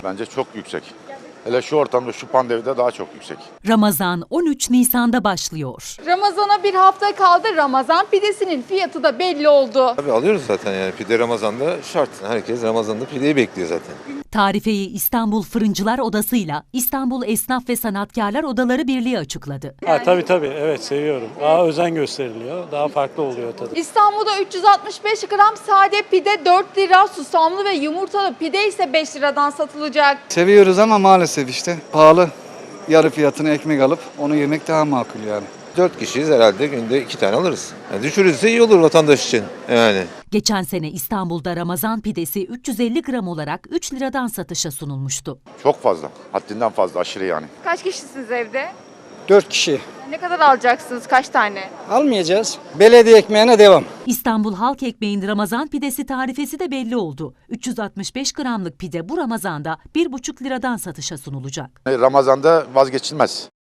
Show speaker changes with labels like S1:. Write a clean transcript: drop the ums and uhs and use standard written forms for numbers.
S1: Bence çok yüksek. Hele şu ortamda, şu pandemide daha çok yüksek.
S2: Ramazan 13 Nisan'da başlıyor.
S3: Ramazana bir hafta kaldı. Ramazan pidesinin fiyatı da belli oldu.
S4: Tabii alıyoruz zaten yani pide Ramazan'da şart. Herkes Ramazan'da pideyi bekliyor zaten.
S2: Tarifeyi İstanbul Fırıncılar Odası'yla İstanbul Esnaf ve Sanatkarlar Odaları Birliği açıkladı.
S5: Tabii evet seviyorum. Daha özen gösteriliyor. Daha farklı oluyor tadı.
S3: İstanbul'da 365 gram sade pide 4 lira, susamlı ve yumurtalı pide ise 5 liradan satılacak.
S6: Seviyoruz ama maalesef işte pahalı. Yarı fiyatına ekmek alıp onu yemek daha makul yani.
S4: 4 kişiyiz herhalde günde 2 tane alırız. Yani düşürürse iyi olur vatandaş için yani.
S2: Geçen sene İstanbul'da Ramazan pidesi 350 gram olarak 3 liradan satışa sunulmuştu.
S1: Çok fazla. Haddinden fazla, aşırı yani.
S3: Kaç kişisiniz evde?
S6: 4 kişi.
S3: Ne kadar alacaksınız? Kaç tane?
S6: Almayacağız. Belediye ekmeğine devam.
S2: İstanbul Halk Ekmeği'nin Ramazan pidesi tarifesi de belli oldu. 365 gramlık pide bu Ramazan'da 1,5 liradan satışa sunulacak.
S1: Ramazan'da vazgeçilmez.